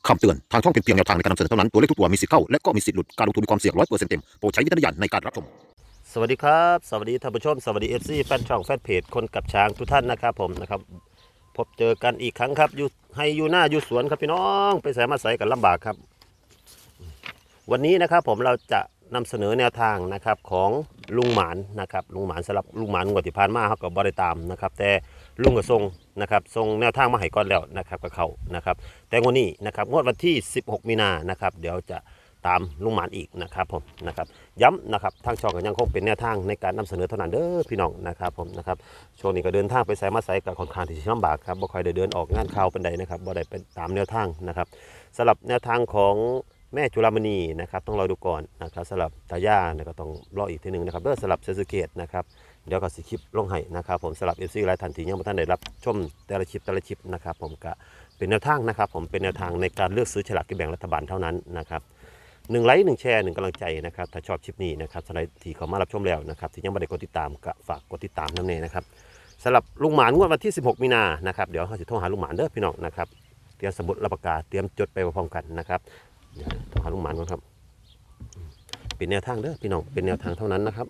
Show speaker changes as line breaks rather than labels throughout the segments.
คำเตือนทางช่องเป็นเพียงแนวทางในการนำเสนอเท่านั้นตัวเลขทุกตัวมีสิทธิ์เข้าและก็มีสิทธิ์หลุดการลงทุนมีความเสี่ยง100%เต็มโปรดใช้วิจารณญาณในการรับชมสวัสดีครับสวัสดีท่านผู้ชมสวัสดีFCแฟนช่องแฟนเพจคนกับช้างทุกท่านนะครับผมนะครับพบเจอกันอีกครั้งครับอยู่ให้อยู่หน้าอยู่สวนครับพี่น้องไปใส่มาใส่กันลำบากครับวันนี้นะครับผมเราจะนำเสนอแนวทางนะครับของลุงหมานนะครับลุงหมานสำหรับลุงหมานงวดที่ผ่านมาเขาก็บ่ได้ตามนะครับแต่ลุงก็ทรงนะครับทรงแนวทางมาให้ก่อนแล้วนะครับกับเขานะครับแต่งวดนี้นะครับงวดวันที่16มีนานะครับเดี๋ยวจะตามลุงหมานอีกนะครับผมนะครับย้ำนะครับทางช่องก็ยังคงเป็นแนวทางในการนำเสนอเท่านั้นเด้อพี่น้องนะครับผมนะครับช่วงนี้ก็เดินทางไปไสมาไสกับค่อนข้างที่จะลำบากครับบ่ค่อยได้เดินออกงานข่าวเป็นใดนะครับบ่ได้เป็นตามแนวทางนะครับสำหรับแนวทางของแม่จุฬามณีนะครับต้องรอดูก่อนนะครับสำหรับตาย่าเนี่ยก็ต้องรออีกทีหนึ่งนะครับเพื่อสำหรับเซซูเกตนะครับเดี๋ยวก็สิคลิปลงให้นะครับผมสำหรับเอฟซีหลายท่านที่ยังไม่ทันได้รับชมแต่ละคลิปนะครับผมก็เป็นแนวทางนะครับผมเป็นแนวทางในการเลือกซื้อฉลากกินแบ่งรัฐบาลเท่านั้นนะครับ1 ไลค์ 1 แชร์ 1 กำลังใจนะครับถ้าชอบคลิปนี้นะครับสำหรับที่เขามารับชมแล้วนะครับที่ยังไม่ได้กดติดตามก็ฝากกดติดตามนั่นเองนะครับสำหรับลุงหมานงวดวันที่16มีนานะครับเดี๋ยวเขาจะโทรหาลุงหมานเด้อพี่น้องนะครับเตรียมสมุดรับประกาศเตรียมจดไปพร้อมกันนะครับโทรหาลุงหมานก่อนครับเป็นแนวทางเด้อพี่น้องเป็นแนวทางเท่านั้นนะครับ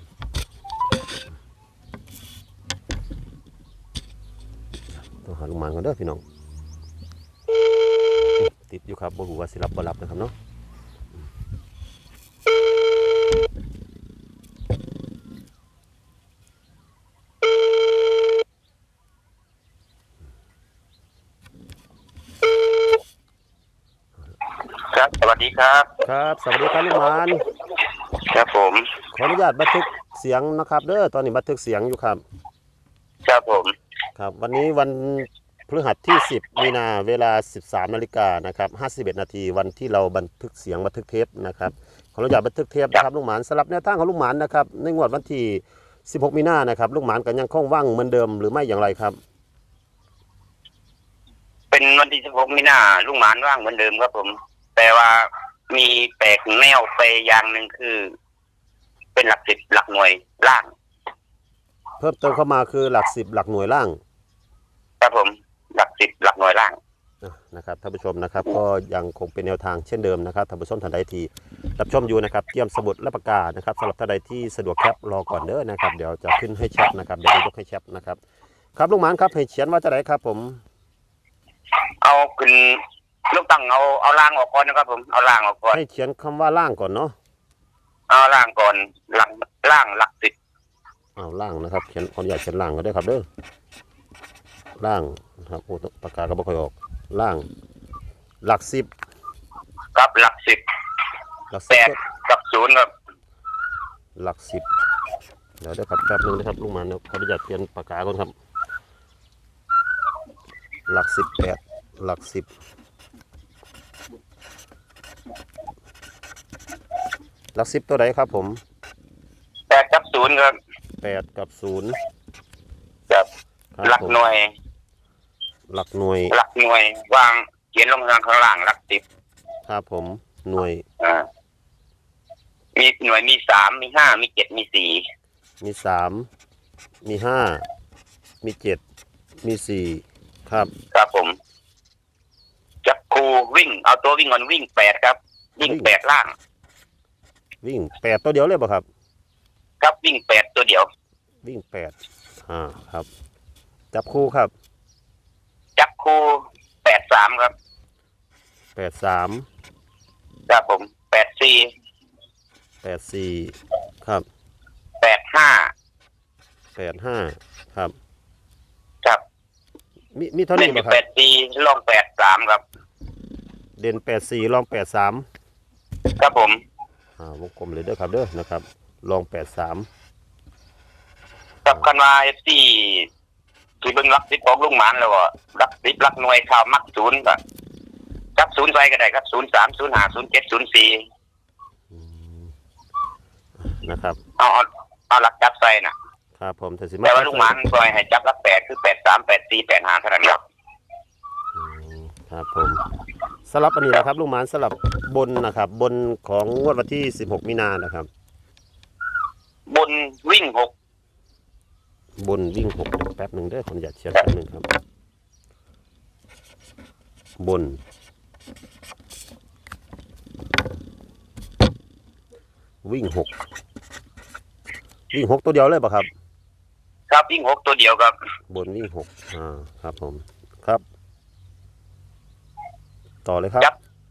โทรหาลุงหมานก่อนเด้อพี่น้องติดอยู่ครับบ่รู้ว่าสิรับบ่รับนะครับเนาะ
ครับสวัสดีครับ
ครับสวัสดีครับลุงหมาน
ครับผม
ขออนุญาตบันทึกเสียงนะครับเด้อตอนนี้บันทึกเสียงอยู่ครับ
ครับผม
ครับวันนี้วันพฤหัสที่10มีนาเวลา 13 นาฬิกานะครับ51 นาทีวันที่เราบันทึกเสียงบันทึกเทปนะครับขออนุญาตบันทึกเทปนะครับลุงหมานสำหรับแนวทางของลุงหมานนะครับในงวดวันที่16มีนานะครับลุงหมานก็ยังคงว่างเหมือนเดิมหรือไม่อย่างไรครับ
เป็นวันที่16มีนาลุงหมานว่างเหมือนเดิมครับผมแต่ว่ามีแปลกแนวไปอย่างหนึ่งคือ เป็นหลัก10หลักหน่วยล่าง
เพิ่มเติมเข้ามาคือหลัก10หลักหน่วยล่าง
ครับผมหลัก10หลักหน่วยล่าง
นะครับท่านผู้ชมนะครับก็ยังคงเป็นแนวทางเช่นเดิมนะครับท่านผู้ชมท่านใดที่รับชมอยู่นะครับเตรียมสมุดและปากกานะครับสำหรับท่านใดที่สะดวกแคปรอก่อนเด้อนะครับเดี๋ยวจะขึ้นให้แชปนะครับเดี๋ยวยกให้แชปนะครับครับลุงหมานครับให้เขียนว่าจะไหนครับผม
เอาขึ้นลูกตั้งเอาล่างออกก่อนนะครับผมเอาล่างออกก่อน
ให้เขียนคำว่าล่างก่อนเนาะ
เอาล่างก่อนหลักล่างหลัก10
เอาล่างนะครับเขียนขออนุญาตเขียนล่างก็ได้ครับเด้อล่างนะครับโอ้ปากกาก็ไม่ค่อยออกล่างหลัก10
ครับหลัก10
หลัก
8กับ0ครับ
หลัก10เดี๋ยวได้ครับแป๊บนึงนะครับลุงหมานขออนุญาตเขียนปากกาก่อนครับหลัก18หลัก10หลัก10ตัวไหนครับผม
8กับ0ครับ
8กับ0
ครับหลักหน่วย
หลักหน่ว
ยวางเขียนลงข้างล่างหลัก10
ครับผมหน่วย
มีหน่วยมี3มี5มี7มี4
มี3มี5มี7มี4ครับ
ครับผมจับคูวิ่งเอาตัววิ่งก่อนวิ่ง8ครับวิ่ง8ล่าง
วิ่ง8ตัวเดียวเลยป่ะครับ
ครับวิ่ง8ตัวเดียว
วิ่ง8ครับจับคู่ครับ
จับคู83ครับ
83
ครับผม
84ครับ85ครับ
ครับ
มีเท่านี้ป่ะครับ
84ลอง83ครับ
เด่น84ลอง83
ครับผม
วงกลมเลยเด้อครับเด้อนะครับลอง83
กับคันว่าที่เบิ่งหลัก10ของลุงหมานแล้วก็หลัก10หลักหน่วยข่าวมัก0ก็จับ0ใส่ก็ได้ครับ03 05 07 04
นะครับ
เอาหลักจับใส่นะครับ
ผม
แต่ว่าลุงหมานปล่อยให้จับหลัก8คือ83 84 85เท่านั้นครับ
ครับผมสลับอันนี้นะครับลุงหมานสลับบนนะครับบนของงวดวันที่16มีนานะครับ
บนวิ่ง6
บนวิ่ง6แป๊บหนึ่งเด้อขออนุญาตเขียนแป๊บหนึ่งครับบนวิ่งหกตัวเดียวเลยป่ะครับ
ครับวิ่ง6ตัวเดียวครับ
บนวิ่งหกครับผมครับต่อเลยครับ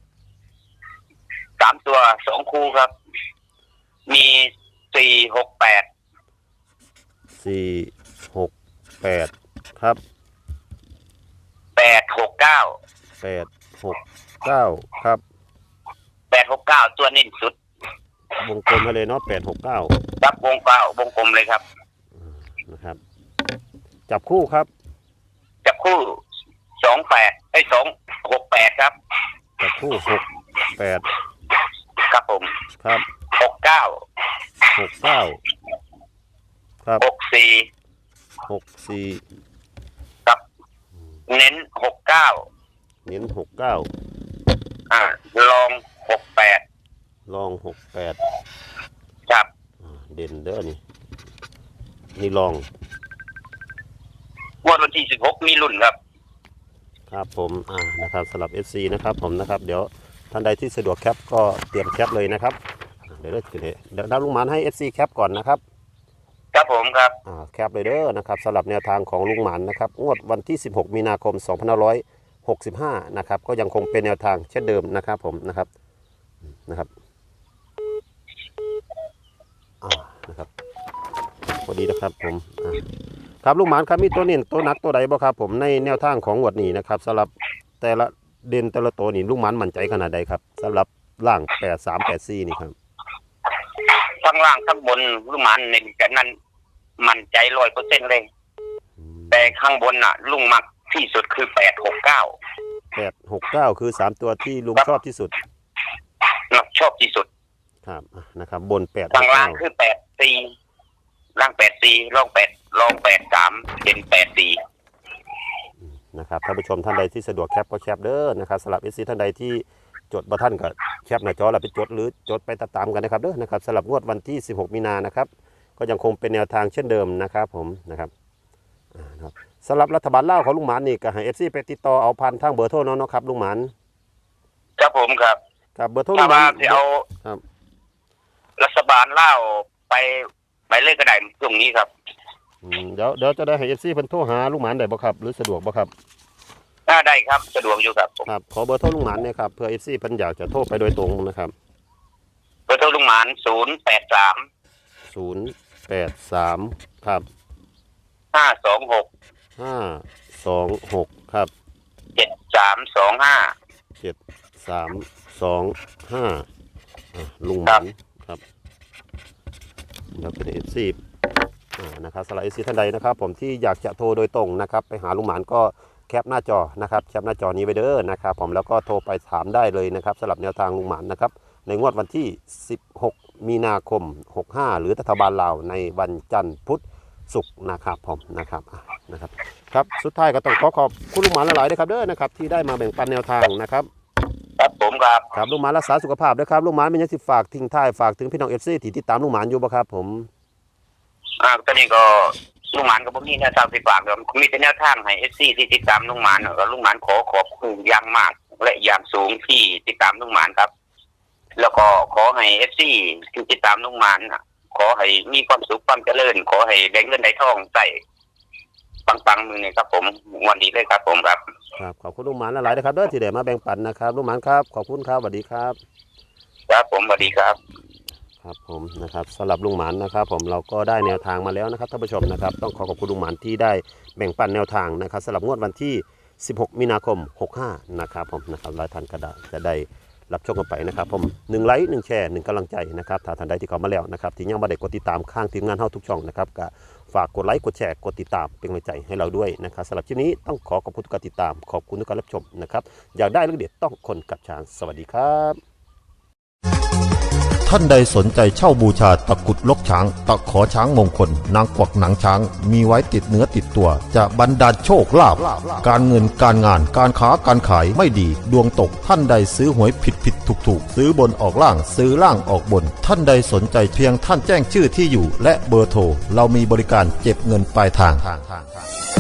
3ตัว2คู่ครับมี
468ครับ
869
ครับ
869ตัวเน้นสุด
วงกลมมาเลยเนาะ869
ครับวงกลมเลยครับ
นะครับจับคู่ครับ
จับคู่268ครับ
จับคู่68
ครับผม
ครับ
69
ครับ64
ครับเน้น69ลอง68ครับ
เด่นเด้อนี่ลอง
วันที่16มีรุ่นครับ
ครับผมนะครับสำหรับ FC นะครับผมนะครับเดี๋ยวท่านใดที่สะดวกแคปก็เตรียมแคปเลยนะครับเดี๋ยวดาวลุงหมานให้ FC แคปก่อนนะครับ
ครับผมครับ
แคปเลยเด้อนะครับสำหรับแนวทางของลุงหมานนะครับงวดวันที่16มีนาคม2565นะครับก็ยังคงเป็นแนวทางเช่นเดิมนะครับผมนะครับนะครับพอดีนะครับผมครับลุงหมานครับมีตัวเน้นตัวหนักตัวใดบ่ครับผมในแนวทางของงวดนี้นะครับสำหรับแต่ละเด่นแต่ละตัวนี่ลุงหมานมั่นใจขนาดใดครับสำหรับล่าง8384นี่ครับ
ทั้งล่างทั้งบนลุงหมานเน้นกันนั้นมั่นใจ 100% เลยแต่ข้างบนน่ะลุงมักที่สุดคือ
869คือ3ตัวที่ลุงชอบที่สุด
ชอบที่สุด
ครับนะครับบน
8ข้างล่างคือ84ล่าง84ลอง83เป็น84
นะครับท่านผู้ชมท่านใดที่สะดวกแคปก็แคปเด้อนะครับสำหรับ FC ท่านใดที่จดบ่ทันก็แคปหน้าจอแล้วไปจดหรือจดไปตามกันนะครับเด้อนะครับสำหรับงวดวันที่16มีนานะครับก็ยังคงเป็นแนวทางเช่นเดิมนะครับผมนะครับสำหรับรัฐบาลลาวของลุงหมานนี่ก็ให้ FC ไปติดต่อเอาพันทางเบอร์โทรเนาะครับลุงหมาน
ครับผมครับ
เบอร์โทรลุงหมาน
เอา
ครับ
รัฐบาลลาวไปเลยก็ได้ตรงนี้ครับ
เดี๋ยวจะได้ให้ FC เพิ่นโทรหาลุงหมานได้บ่ครับหรือสะดวกบ่ครับ
ได้ครับสะดวกอยู่ครับ
ครับขอเบอร์โทรลุงหมานเนี่ยครับเพื่อ FC เพิ่นอยากจะโทรไปโดยตรงนะครับ
เบอร์โทรลุงหมาน
083ครับ526ครับ7325ลุงหมานครับเดี๋ยวเป็น FC นะครับสำหรับ FC ท่านใดนะครับผมที่อยากจะโทรโดยตรงนะครับไปหาลุงหมานก็แคปหน้าจอนะครับแคปหน้าจอนี้ไว้เด้อนะครับผมแล้วก็โทรไปถามได้เลยนะครับสำหรับแนวทางลุงหมานนะครับในงวดวันที่16มีนาคม65หรือรัฐบาลลาวในวันจันทร์พุธศุกร์นะครับผมนะครับครับสุดท้ายก็ต้องขอบคุณลุงหมานหลายๆด้วยครับเด้อนะครับที่ได้มาแบ่งปันแนวทางนะครับ
ครับผม
ครับลุงหมานรักษาสุขภาพด้วยครับลุงหมานมีหยังสิฝากทิ้งท้ายฝากถึงพี่น้อง FC ที่ติดตามลุงหมานอยู่บ่ครับผม
ตอนนี้ก็ลุงหมานก็บ่มีแนวทางสิฝากครับมีแต่แนวทางให้ FC ที่ติดตามลุงหมานก็ลุงหมานขอบคุณอย่างมากและอย่างสูงที่ติดตามลุงหมานครับแล้วก็ขอให้ FC ที่ติดตามลุงหมานขอให้มีความสุขความเจริญขอให้ได้เงินได้ทองใส่ปังๆมือนี่ครับผมวันนี้เลยครับผมครับ
ขอบคุณลุงหมานหลายๆนะครับเด้อที่ได้มาแบ่งปันนะครับลุงหมานครับขอบคุณครับสวัสดีครับ
ครับผมสวัสดีครับ
ครับผมนะครับสำหรับลุงหมานนะครับผมเราก็ได้แนวทางมาแล้วนะครับท่านผู้ชมนะครับต้องขอบคุณลุงหมานที่ได้แบ่งปันแนวทางนะครับสำหรับงวดวันที่16มีนาคม65นะครับผมนะครับหลายท่านก็จะได้รับชมกันไปนะครับผม1ไลค์1แชร์1กำลังใจนะครับถ้าท่านใดที่เข้ามาแล้วนะครับที่ยังไม่ได้กดติดตามข้างทีมงานเฮาทุกช่องนะครับก็ฝากกดไลค์กดแชร์กดติดตามเป็นกำลังใจให้เราด้วยนะครับสำหรับคลิปนี้ต้องขอบคุณทุกการติดตามขอบคุณทุกการรับชมนะครับอยากได้เรื่องเด็ดต้องคนกับช้างสวัสดีครับท่านใดสนใจเช่าบูชาตะกุดลกช้างตะขอช้างมงคลนางกวักหนังช้างมีไว้ติดเนื้อติดตัวจะบรรดาลโชคลาภการเงินการงานการค้าการขายไม่ดีดวงตกท่านใดซื้อหวยผิดถูกซื้อบนออกล่างซื้อล่างออกบนท่านใดสนใจเพียงท่านแจ้งชื่อที่อยู่และเบอร์โทรเรามีบริการเก็บเงินปลายทาง